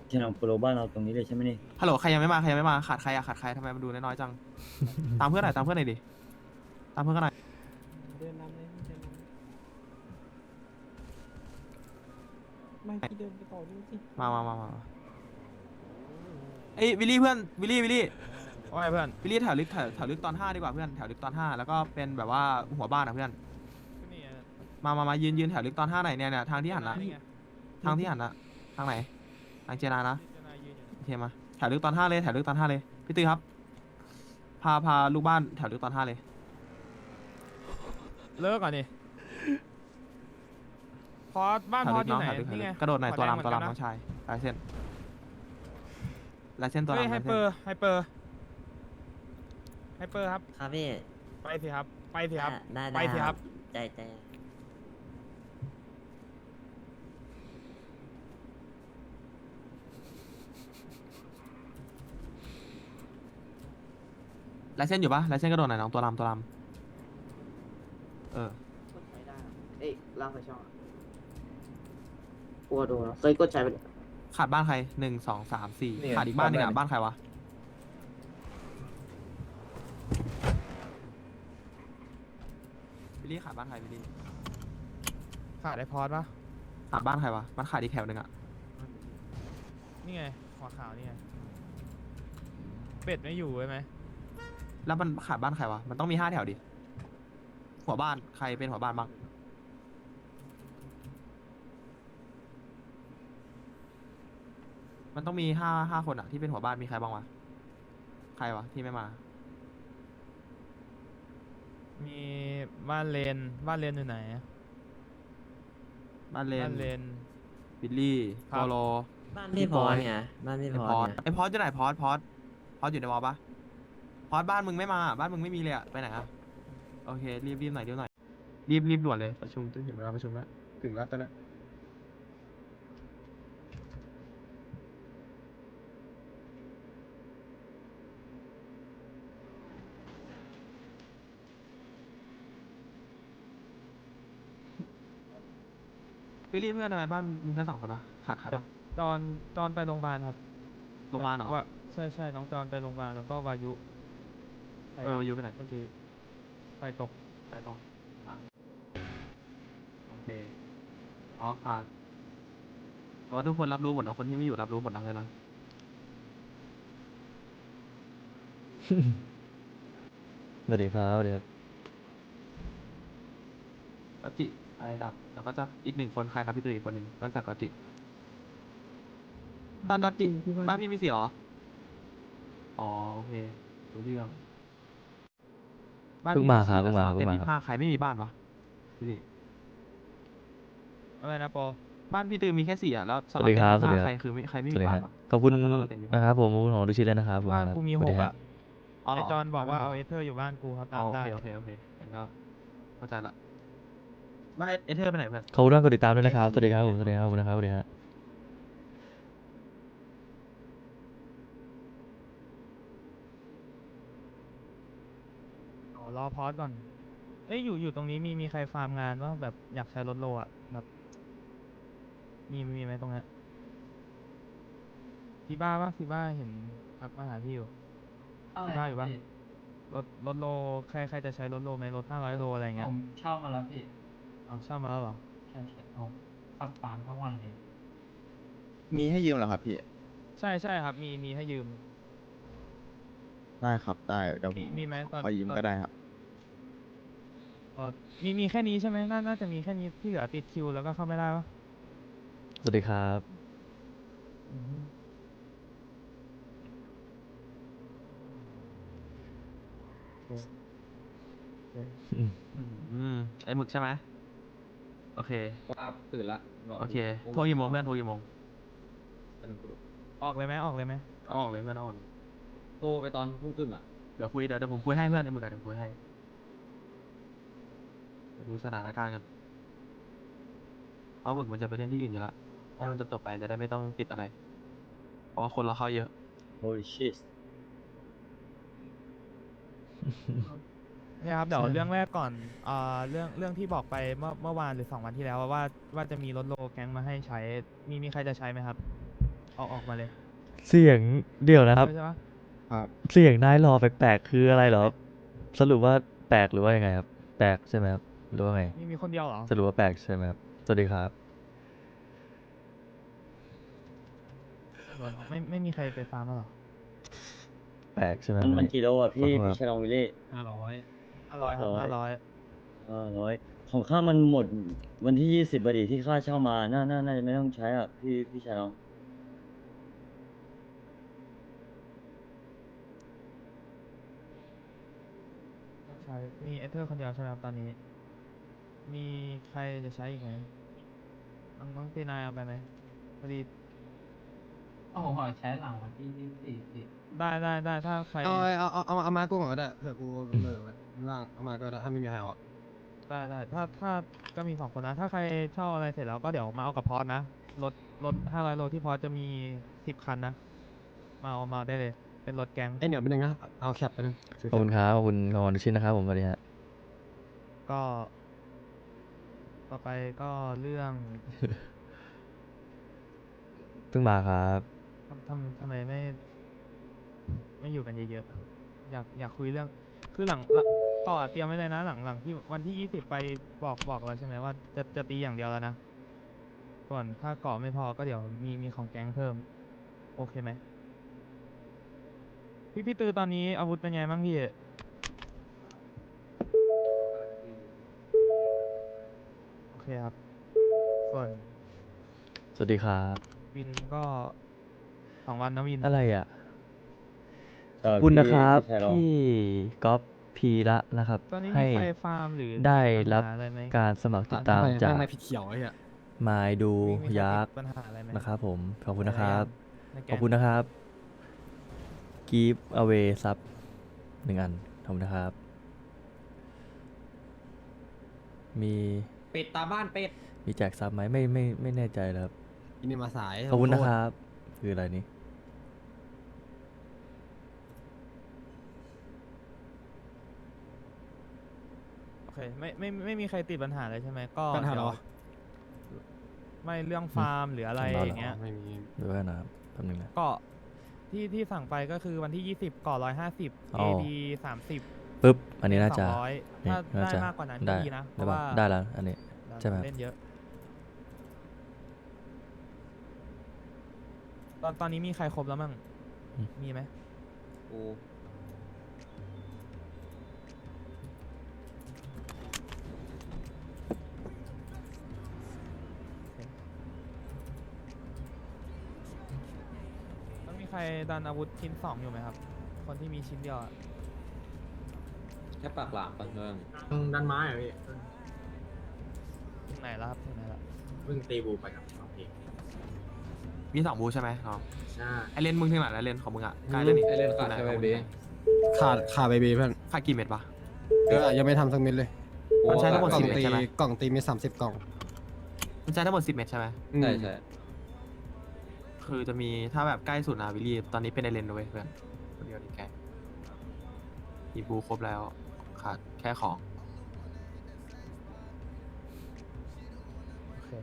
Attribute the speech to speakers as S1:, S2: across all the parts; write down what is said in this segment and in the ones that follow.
S1: ฉลองโปรบ้านเราตรงนี้เลยใช่ไหมนี่
S2: ฮัลโหลใครยังไม่มาใครยังไม่มาขาดใครอะขาดใครทำไมมันดูน้อยๆจัง ตามเพื่อนหน่อยตามเพื่อนหน่อยดิตามเพื่อนกันหน่อย
S3: เดินนำเลยเดินนำไม่พี่เดินไปต่อด้วยสิ
S2: มาเอ้ยวิลลี่เพื่อนวิลลี่
S4: ว่าไงเพื่อน
S2: วิลลี่แถวลึกตอน5ดีกว่าเพื่อนแถวลึกตอน5แล้วก็เป็นแบบว่าหัวบ้านอะเพื่อนมายืนแถวลึกตอน5หน่อยเนี่ยทางที่หันละทางที่หันละทางไหนทางเจนานะโอเคมาแถวลึกตอน5เลยแถวลึกตอน5เลยพี่ตื้อครับพาลูกบ้านแถวลึกตอน5เลย
S4: เลิกก่อนดิพอสบ้าน
S2: แถว
S4: พอ
S2: ลึ
S4: ส
S2: ก
S4: อยู่
S2: น้อง
S4: ไหน
S2: แถวลึก
S4: นี่ไง
S2: กระโดดหน่อยตัว
S4: หั
S2: ลำ
S4: แด
S2: น้
S4: เหมื
S2: อง
S4: กัะ
S2: ชายลายเส้นตัว
S4: เฮ้ย
S2: ลำ
S4: ไฮ
S2: ลาย
S4: เป
S2: เส้
S4: อน ร์ไฮเปอร์ไฮเปอร์ครับ
S5: ครับพี่
S4: ไปสิครับไปสิครับ
S5: ได้
S4: ไปสิครับ
S5: ใจ
S2: ลายเส้นอยู่ปะลายเส้นกระโดดหน่อยน้องตัวลำเออก
S6: ดใช้ได้เอ้ยล่างไฟช่องอะกลัวโดนเคยกดใช้ไป
S2: ขาดบ้านใคร1 2 3 4ขาดอีกบ้านหนึงอ่ะบ้านใครวะวิลลี่ขาดบ้านใครวิลลี่
S4: ขาดไอพอสปะ
S2: ขาดบ้านใครวะมันขาดอีกแถวหนึ่งอ่ะ
S4: นี่ไงหัวขาวนี่ไงเป็ดไม่อยู่ใช่ไหม
S2: แล้วมันขาดบ้านใครวะมันต้องมี5 แถวดิหัวบ้านใครเป็นหัวบ้านบ้างมันต้องมีห้าคนอ่ะที่เป็นหัวบ้านมีใครบ้างวะใครวะที่ไม่มา
S4: มีบ้านเลนอยู่ไหน
S2: บ้านเล
S4: บ้าน นเลน
S2: บิลลี่
S4: ครั
S2: โป
S4: บ
S2: โล
S5: บ้านพี่พอเนี่ยบ้านพี่
S2: ไอ
S5: พ
S2: พ
S5: อ
S2: อด
S5: เนี่ย
S2: ไอพอดอยู่ไหนพอดอยู่ในวอลปะพอดบ้านมึงไม่มาบ้านมึงไม่มีเลยอะไปไหนอะโอเครีบหน่อยรีบด่วนเลยประชุมถึงเวลาประชุมแล้วถึงแล้วตอนนี้พี่รีบเพื่อนทำไมบ้านมึงแค่2 คนวะขาดใครปะ
S4: ตอนไปโรงพยาบาลครับ
S2: โรงพยาบาลเหรอ
S4: ว่าใช่น้องจอนไปโรงพยาบาลแล้วก็วายุไป
S2: อยู่ไปไหน
S4: เมื่อกี้ไปตก
S2: ไปตรงอ่ะโอเคอ๋อขาดเพราะว่าทุกคนรับรู้หมดนะคนที่ไม่อยู่รับรู้หมดนะเลยนะ
S7: สวัสดีครับสวัสดีครับ
S2: กติไอ้ดับแล้วก็จะอีก1 คนใครครับพี่ตุ้ยอีกคนหนึ่งนอกจากกติบ้านกติบ้านพี่มี4เหรออ๋อโอเครู้เรื่องบ้น
S7: เพิ่ง
S2: พี่
S7: มาครับ
S2: 4
S7: เพิ่งมา
S2: แต่
S7: ครับ
S2: 25ใครไม่มีบ้านวะดูดิ
S4: อะไรนะโป
S2: บ้านพี่ตุ้ยมีแค่4อ่ะแล้ว
S7: สวัสดีครับ
S2: สำห
S7: สวัสดี
S2: รับ
S7: ครับ
S2: ใครคือไม่ใครไม่
S7: ส
S2: มี
S7: วัสดี
S2: บ้า
S7: คน รับ
S2: วะ
S7: ขอบคุณ
S2: เต็มอยู่
S7: นะครับผมของดูชิดเลยนะครับ
S4: บ้านกูมี
S7: สวัสดี
S4: 6
S7: ครับ
S4: อ่ะ
S2: อ๋อเหร
S4: ไอจอนบอกว่าเอาเอเธอร์อยู่บ้านกูครับ
S2: อ๋อ
S4: ตาม
S2: โอ
S4: ได้
S2: เคงั้นก็เข้าใจละบ้านเอเธอร์ไปไหนเพื่อน
S7: ขอบคุณมากกดติดตามด้วยนะครับสวัสดีครับผมสวัสดีครับขอบคุณนะครับสวัสดีครับ
S4: รอพอสก่อน เอ้ยอยู่ตรงนี้มีใครฟาร์มงานว่าแบบอยากใช้รถโลอ่ะแบบมีไหมตรงเนี้ยฟีบ้าเห็นพักมาหาพี่อยู่ฟีบ้าอยู่ปะรถโลใครจะใช้รถโลไหมรถ500 โลอะไรเงี้ย
S3: ผมเช่ามาแล้วพี่
S4: เอาเช่ามาแล้วเหรอ
S3: ใช่เอาปักปานทั้งวันเลย
S8: มีให้ยืมเหรอครับพี่
S4: ใช่ครับมีให้ยืม
S8: ได้ครับได้เดี๋ยวผม
S4: มีไหมตอน
S8: ขอยืมก็ได้ครับ
S4: มีแค่นี้ใช่ไหมน่าจะมีแค่นี้ที่เหลือติดคิวแล้วก็เข้าไม่ได้ปะ
S7: สวัสดีครับ
S4: อืม
S2: ไอ้หมึกใช่ไหมโอเค
S1: ว่าตื่นละ
S2: โอเคโทรกี่โมงเพื่อนโทรกี่โมง
S4: ออกเลยไหม
S2: เอาออกเลยเพื่อนเอาออกเลย
S1: โทรไปตอนพุ่งขึ้นอ่ะ
S2: เดี๋ยวผมคุยให้เพื่อนไอ้หมึกอะเดี๋ยวคุยให้เดี๋ยวดูสถานการณ์กันเพราะหมึกมันจะไปเล่นที่อื่นอยู่ละถ้ามันจะจบไปจะได้ไม่ต้องติดอะไร เพราะว่าคนเราเข้าเยอะ
S1: holy shit
S4: เนี่ยครับเดี๋ยวเรื่องแรกก่อนเรื่องที่บอกไปเมื่อวานหรือ2 วันที่แล้วว่าจะมีรถโลแก๊งมาให้ใช้มีใครจะใช้ไหมครับออกมาเลย
S7: เสียงเดี๋ยวนะครับ
S4: ใช่ปะ
S8: ครับ
S7: เสียงนายหล่อแปลกๆคืออะไรเหรอครับสรุปว่าแปลกหรือว่ายังไงครับ แปลกใช่ไหมครับหรือว่าไง
S4: มีคนเดียวเหรอ
S7: สรุปว่าแปลกใช่ไหมครับสวัสดีครับ
S4: ไม่มีใครไปฟาร์มแล้วเหรอ
S7: แปลกใช่ไหม
S1: มันกี่โลอ่ะพี่
S7: ขอโทษครับ
S1: พี่ชายลองวิลลี่
S4: 500ครับ500
S1: ร้อยของข้ามันหมดวันที่20บดีที่ข้าเช่ามาน่าจะไม่ต้องใช้อ่ะพี่ชายลอง
S4: ใช่ มีเอเธอร์คนเดียวใช่ไหมครับตอนนี้ มีใครจะใช้อีกไหมน้องตีนายเอาไปไหมพอดี
S3: เอาผมขอใช้หลังวันที่24
S4: ได้ถ้าใคร
S9: เอามากูก่อนก็ได้เผื่อกูเบอร์ไว้ล่างเอามาก็ได้ถ้าไม่มีใครเอาอะ
S4: ได้ถ้าก็มี2 คนนะ ถ้าใครเช่าอะไรเสร็จแล้วก็เดี๋ยวมาเอากับพอสนะรถ500 โลที่พอสจะมี10 คันนะ มาได้เลย เป็นรถแก๊ง
S9: เดี๋ยวไปหนึ่งนะเอาแคปไปหนึ่ง
S7: ขอบคุณครับขอบคุณขอบคุณทุกชิ้นนะครับผมสวัสดีฮะ
S4: ก็ ต่อไปก็เรื่อง
S7: เพิ่งมาครับ
S4: ทำไมไม่อยู่กันเยอะๆอยากคุยเรื่อง คือต่อเตรียมไว้เลยนะหลังที่วันที่20ไปบอกแล้วใช่ไหมว่าจะตีอย่างเดียวแล้วนะ ส่วนถ้าเกาะไม่พอก็เดี๋ยวมีของแก๊งเพิ่ม โอเคไหมพี่ตือตอนนี้อาวุธเป็นไงบ้างพี่ โอเคครับ ส่วน
S7: สวัสดีครับ
S4: วินก็2 วันนะวิน
S7: อะไรอ่ะ
S1: เออ
S7: ขอบคุณนะครับ
S1: พี่ชายลอง
S7: ที่ก๊อฟพีละนะครับ
S4: ตอนนี้
S7: ให้
S4: มีใครฟาร์มหรือ
S7: ได้รับ
S4: ปัญหาอะไรไหม
S7: การสมัครติดตามจาก
S9: ไม่ผิดเขียวไอ้เหี้ย
S7: มายดู
S4: มีใคร
S7: ยัก
S4: ติ
S7: ษ์
S4: ดปัญหาอะไรไหม
S7: นะครับผม ขอบคุณนะครับ
S4: ในแก๊ง
S7: ขอบคุณนะครับ Give away ซับ1 อัน ขอบคุณนะครับ มี
S6: เป็ดตาบ้านเป็ด
S7: มีแจกซับไหมไม่แน่ใจเลยครับ
S9: อินนี่มาสาย
S7: ขอบคุณนะครับ คืออะไรนี้
S4: โอเคไม่มีใครติดปัญหาเลยใช่ไหมก็
S9: ปัญหาเหรอ
S4: เดี๋ยวไม่เรื่องฟาร์มหรืออะไร
S7: ของเราเหรอ
S4: อย่างเงี้ย
S9: ไม่มี
S7: ดูว่านะครับแป๊บนึงนะ
S4: ก็ที่สั่งไปก็คือวันที่20ก่อ150
S7: อ๋อ
S4: AD 30
S7: ปึ๊บ อันนี้น่าจะ
S4: 200
S7: นี่
S4: ถ้า
S7: น่า
S4: ได้
S7: จะ
S4: มากกว่านั้น
S7: ได้
S4: ก็ดีนะ เพ
S7: ได้
S4: ราะ
S7: ปะ
S4: ว่า
S7: ได้แล้ว อันนี้ ใช่ไหมครับ
S4: เล่นเยอะ ตอนนี้มีใครครบแล้วมั่ง มีไหม ต้องมีใครดันอาวุธชิ้น2อยู่ไหมครับ คนที่มีชิ้นเดียวอะ
S6: แค่ปากหลามปะเมือง
S9: ดันไม้เหรอพี่
S4: ถึงไหนแล้วครับถึงไหนแล้ว
S9: เพิ่งตีบูไปกับน้องพี่
S2: มี2 บูใช่ไหมน้อง
S9: ใช่
S2: ไอเลนมึงถึงไหนแล้วเลนของมึงอ่ะใกล้แล้วนี่
S6: ไอเลนขาด
S2: ไห
S6: ใช่ไหม
S2: ของง
S6: บี
S9: ขาดเบบีเพื่อน
S2: ขาดกี่เม็ดปะ
S9: ยังไม่ทำสักเม็ดเลย
S2: มันใช้ทั้งหมด
S9: กล่อง
S2: 10 เม็ด
S9: ตี
S2: ใช่ไหม
S9: กล่องตีมี30 กล่อง
S2: มันใช้ทั้งหมด10 เม็ดใช่ไหม
S9: อืม
S6: ใช่ใช่
S2: คือจะมีถ้าแบบใกล้สุดนะวิลลี่ตอนนี้เป็นไอเลนด้วยเพื่อนคนเดียวดีแกมีบูครบแล้วขาดแค่ของ
S4: โอเค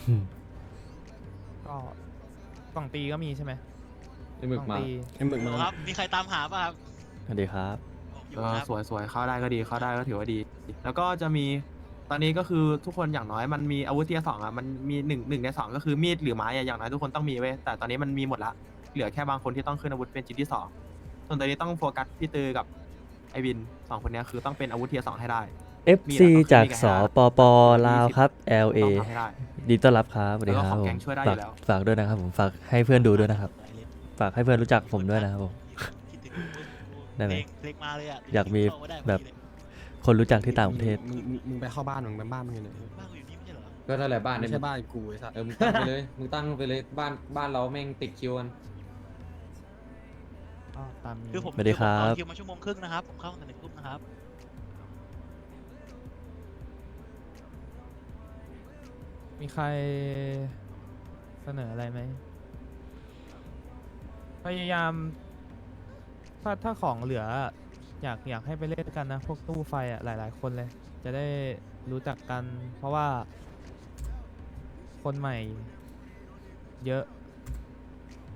S4: ก็กล่องตีก็มีใช่ไหม
S6: ไอหมึกมา
S4: ล่องตี
S9: ไอ้หมึกมา
S10: ครับ มีใครตามหาป่ะครับ
S7: สวัสดีครับ
S10: อยู่
S2: ก็
S10: ครับ
S2: สวยๆเข้าได้ก็ดีเข้าได้ก็ถือว่าดี แล้วก็จะมีตอนนี้ก็คือทุกคนอย่างน้อยมันมีอาวุธเทียร์2อ่ะมันมีหนึ่งใน 2ก็คือมีดหรือไม้อะอย่างน้อยทุกคนต้องมีเว้ยแต่ตอนนี้มันมีหมดละเหลือแค่บางคนที่ต้องขึ้นอาวุธเป็นชิ้นที่ 2ส่วนตอนนี้ต้องโฟกัสพี่ตือกับไอวิน2 คนเนี้ยคือต้องเป็นอาวุธเทียร์2ให้ได้
S7: FC จากสปปลาวครับ LA
S2: ต้องทำให้ได้
S7: ดีต้อนรับครับสวัสดีค
S2: แล้วก็
S7: รับ
S2: ของ
S7: ผ
S2: แก๊
S7: ม
S2: งช่วยได้อยู่แล้ว
S7: ฝากด้วยนะครับผม ฝากให้เพื่อนดูด้วยนะครับ ฝากให้เพื่อนรู้จักผมด้วยนะครับผม
S10: คิดถึง
S7: ได้ไหม
S10: เพลงมาเลยอ่ะ
S7: อยากมี
S10: เข้าาได้
S7: แบบ
S10: พอดีเลย
S7: คนรู้จักที่ต่างประเทศ
S9: มึงไปเข้าบ้านมึงไปบ้านมึงอยู่ไหน
S10: บ้านกูอยู่นี่ไม่ใช่เหรอ
S6: ก็นั่นแหละบ้าน
S9: ไม่
S6: เนี่ย
S9: ใช่บ้านกูไอ้สัส
S6: มึงตั้งไปเลยมึงตั้งไปเลยบ้านเราแม่งติดคิวกัน
S4: ก็ตามนี้
S10: คือผม
S7: สวัสดีครับ
S10: เอาคิวมา1 ชั่วโมงครึ่งนะครับ ผมเข้าตั้งแต่1 ทุ่มนะครับ
S4: มีใครเสนออะไรไหม พยายามถ้าของเหลืออยากให้ไปเล่นกันนะ พวกตู้ไฟอ่ะหลายๆคนเลย จะได้รู้จักกัน เพราะว่า คนใหม่เยอะ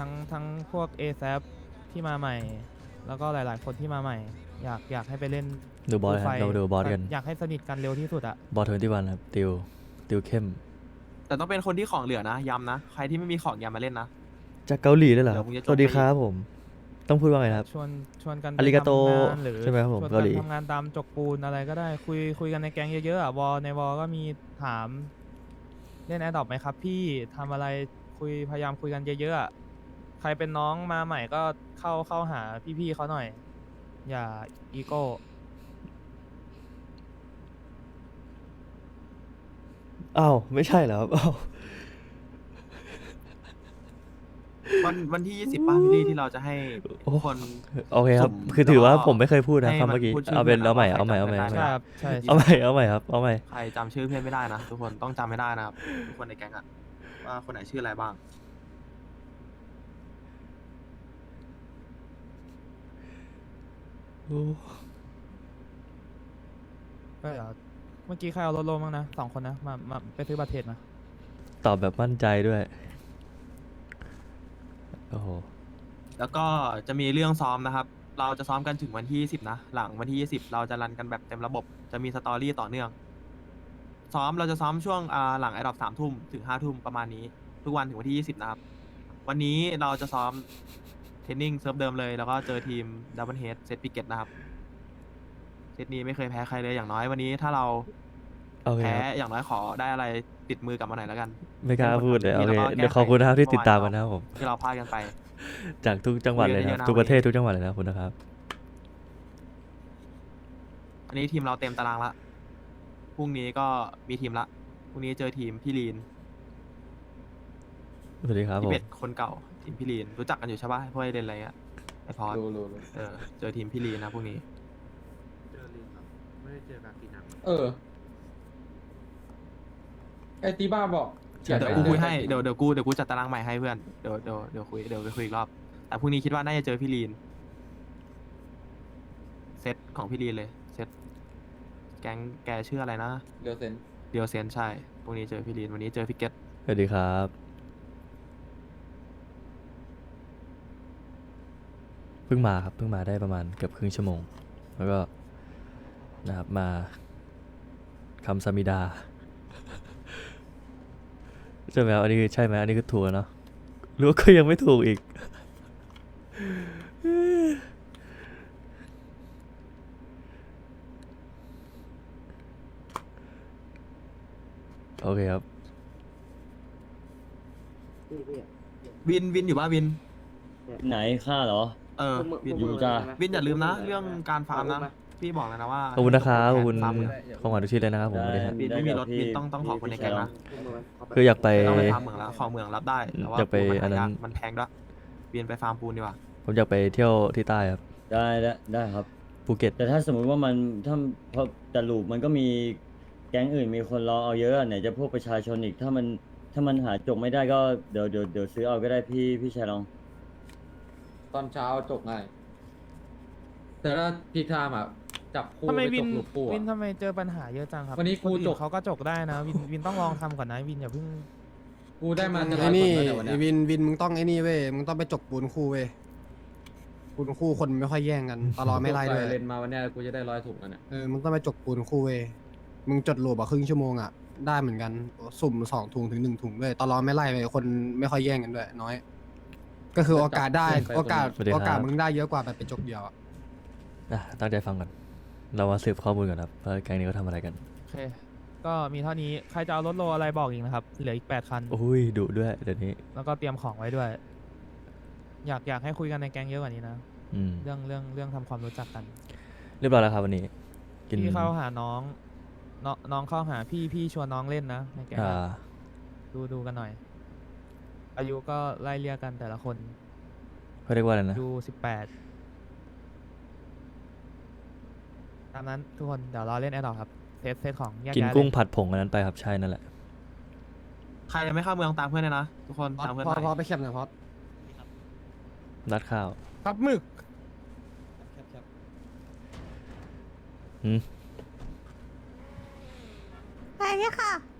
S4: ทั้งพวก ASAP ที่มาใหม่ แล้วก็หลายๆคนที่มาใหม่ อยากให้ไปเล่น
S7: ดูบอส
S4: ไฟ
S7: ครับเราดูบอสกัน
S4: อยากให้สนิทกันเร็วที่สุดอะ
S7: บอส21ครับติวเข้ม
S2: แต่ต้องเป็นคนที่ของเหลือนะย้ำนะใครที่ไม่มีของอย่ามาเล่นนะ
S7: จากเกาหลีด้วยเหรอครับ
S2: เดี๋ยวมึงจะจบ
S7: สวัสดี
S2: ไป
S7: ครับผม ต้องพูดว่าไงครับ
S4: ชวนกันไป
S7: อาริกาโต
S4: ทำงานหรือ
S7: ใช่ไหมครับผม
S4: ชวน
S7: เกาหลี
S4: กันทำงานตามจกปูนอะไรก็ได้คุยกันในแก๊งเยอะๆอะในวอลก็มีถามเล่นแอดดอปไหมครับ พี่ทำอะไรพยายามคุยกันเยอะๆอะใครเป็นน้องมาใหม่ก็เข้าหาพี่ๆเขาหน่อย อย่าอีโก้
S7: อ้าวไม่ใช่เหรอครับอ้าว
S2: วันที่ 20ป่ะพี่ลี่ที่เราจะให้ทุกคน
S7: โอเคครับ
S2: สุ่ม
S7: คือถือว่า
S2: แล้วก็
S7: ผมไม่เคยพูดนะ
S2: ให้
S7: คำเมื่อกี้
S2: มันพูดชื่อ
S7: เอาเป็น
S2: เพื่อน
S7: เอาใหม่
S2: แล้ว
S7: เอาใหม่
S2: ใคร
S7: เอาใหม่
S2: จำ
S7: เอา
S2: ไม่
S7: ใหม่
S2: ได้
S4: ครับใช่
S7: เอาใหม่เอาใหม่ครับเอาใหม่
S2: ใครจำชื่อเพื่อนไม่ได้นะทุกคนต้องจำไม่ได้นะครับทุกคนในแก๊งอะว่าคนไหนชื่ออะไรบ้าง
S7: โอ้
S4: ก็เดี๋ยวเมื่อกี้ใครเอารถโลบ้างนะ2 คนนะมาไปซื้อบัตรเทรดมา
S7: ตอบแบบมั่นใจด้วย โอ้โห
S2: แล้วก็จะมีเรื่องซ้อมนะครับ เราจะซ้อมกันถึงวันที่ 20นะหลังวันที่ 20 เราจะรันกันแบบเต็มระบบ จะมีสตอรี่ต่อเนื่อง ซ้อมเราจะซ้อมช่วงหลังไอดอป3 ทุ่มถึง5 ทุ่มประมาณนี้ ทุกวันถึงวันที่ 20 นะครับ วันนี้เราจะซ้อมเทรนนิ่งเซิร์ฟเดิมเลย แล้วก็เจอทีมดับเบิลเฮดเซตปิเกตนะครับ เซตนี้ไม่เคยแพ้ใครเลยอย่างน้อยวันนี้ถ้าเรา
S7: โอเค
S2: แพ้
S7: ครับ
S2: อย่างน้อยขอได้อะไรติดมือกลับมาหน่อยแล้วกัน
S7: ไม่กล้าพูดเลยโอ
S2: แล้ว
S7: เค
S2: ก็แก้ไข
S7: เดี๋ยวขอบคุณนะครับที่
S2: เมื่อวาน
S7: ติดตามกันนะครับผม
S2: ที่เราพลาดกันไป
S7: จากทุกจังหวัดเลยนะครับ
S2: คุยกันเยอะๆนะ
S7: ทุกประเทศทุกจังหวัดเลยนะขอบคุณนะครับ
S2: อันนี้ทีมเราเต็มตารางละ พรุ่งนี้ก็มีทีมละ พรุ่งนี้เจอทีมพี่ลีน
S7: สวัสดีครับผ
S2: พี่
S7: ม
S2: เป็ดคนเก่าทีมพี่ลีน รู้จักกันอยู่ใช่ปะพวกไอเดนอะไรเงี้ยไอพอดเจอทีมพี่ลีนนะพรุ่งนี้
S3: เออ ไอตีบ้าบอก
S2: เดี๋ยวกูคุยให้เดี๋ยวกูจัดตารางใหม่ให้เพื่อนเดี๋ยวไปคุยอีกรอบ แต่พรุ่งนี้คิดว่าน่าจะเจอพี่ลีน เซตของพี่ลีนเลย เซตแก๊งแกชื่ออะไรนะ
S3: เดี๋ยวเซ็น
S2: เดียวเซนใช่ พรุ่งนี้เจอพี่ลีน วันนี้เจอพี่เกต
S7: สวัสดีครับ เพิ่งมาครับเพิ่งมาได้ประมาณเกือบครึ่งชั่วโมง แล้วก็นะครับมาคำสมิดา ใช่ไหมครับอันนี้คือใช่ไหมอันนี้คือถูกแล้วเนาะหรือว่าก็ยังไม่ถูกอีก โอเคครับ
S2: วินอยู่ป่ะวิน
S1: ไหนค่าเหรอ
S2: วิน
S1: อยู่จ้า
S2: วินอย่าลืมนะ เรื่องการฟาร์มนะ พี่บอกเลยนะว่า
S7: ขอบคุณนะครับขอบคุณ
S2: ฟาร์มเลย
S7: ของขวัญทุกชิ้นเลยนะครับผม
S1: ได้
S7: สวัสดีครับ
S2: วินไม่มีรถวินต้องขอคนในแก๊งนะ
S7: คืออยากไป
S2: ต้องไปฟาร์มเหมืองแล้วของเหมืองรับได้แต่ว่า
S7: อยากไป
S2: ปูน
S7: อันนั้น
S2: หายากมันแพงด้วยวินไปฟาร์มปูนดีกว่า
S7: ผมอยากไปเที่ยวที่ใต้ครับ
S1: ได้ครับ
S7: ภูเก็ต
S1: แต่ถ้าสมมุติว่ามันถ้าพอแต่ลูปมันก็มีแก๊งอื่นมีคนรอเอาเยอะอะไหนจะพวกประชาชนอีกถ้ามันหาจบไม่ได้ก็เดี๋ยวซื้อเอาก็ได้พี่ชายลอง
S3: ตอนเช้าจบง่ายแต่ถ้าพีคไทม์อ่ะ จับคู่
S4: ทำไม
S3: ไป
S4: วิ
S3: จ
S4: น
S3: บลูกคู่
S4: วิน
S3: อะ
S4: ทำไมเจอปัญหาเยอะจังครับ
S3: วันนี้กู
S4: คอื่
S3: จบ
S4: เขาก็จกได้นะวินต้องลองทำก่อนนะวินอย่าเพิ่ง
S3: กูได้มาจะ
S9: ไอ้นี่
S3: ร้อยกว่า
S9: ไอ้วินมึงต้องไอ้นี่เว้ยมึงต้องไปจกปูนคู่เว้ยปูนคู่คนไม่ค่อยแย่งกันตลอดไม่ไล่ด้วย
S3: เลนมาวันเนี้ยกูจะได้100 ถุงแล้วเนี่ย
S9: มึงต้องไปจกปูนคู่เว้ยมึงจดโหลบครึ่งชั่วโมงอ่ะได้เหมือนกันสุ่ม2 ถุงถึง1 ถุงด้วยตลอดไม่ไล่เลยคนไม่ค่อยแย่งกันด้วยน้อย ก็คือโอกาสได้โอกาส
S7: สวัสดีครับ
S9: โอกาสมึงได้เยอะกว่าแบบไปจกเดียวอะ
S7: ตั้งใจฟังก่อน เรามาสืบข้อมูลก่อนครับว่าแก๊งนี้เขาทำอะไรกัน
S4: โอเค ก็มีเท่านี้ ใครจะเอารถโลอะไรบอกอีกนะครับ เหลืออีก8 คัน
S7: โอ้ยดุด้วยเดี๋ยวนี้
S4: แล้วก็เตรียมของไว้ด้วย อยากให้คุยกันในแก๊งเยอะกว่านี้นะ
S7: อืม
S4: เรื่องทำความรู้จักกัน
S7: เรียบร้อยแล้วครับวันนี้ กิน
S4: พี่เข้าหาน้องน้องเข้าหาพี่ชวนน้องเล่นนะในแก๊ง
S7: อ่า
S4: อะดูกันหน่อย อายุก็ไล่เรียกกันแต่ละคน
S7: เขาเรียกว่าอะไรนะ
S4: อายุ18ตามนั้นทุกคนเดี๋ยวรอเล่นแอดดอครับเซตของแยก
S7: กิน
S4: ย้าย
S7: กุ้ง
S4: เลย
S7: ผัดผงอันนั้นไปครับใช่นั่นแหละ
S2: ใครยังไม่เข้าเมืองตามเพื่อนเลยนะทุกคนตามเพื่อน
S9: พอ
S2: ไป
S9: พอไปแคปหน่อยพอ
S7: รัดข้าว
S9: ครับหมึก
S7: หืม
S11: ไปเนี่ยค่ะ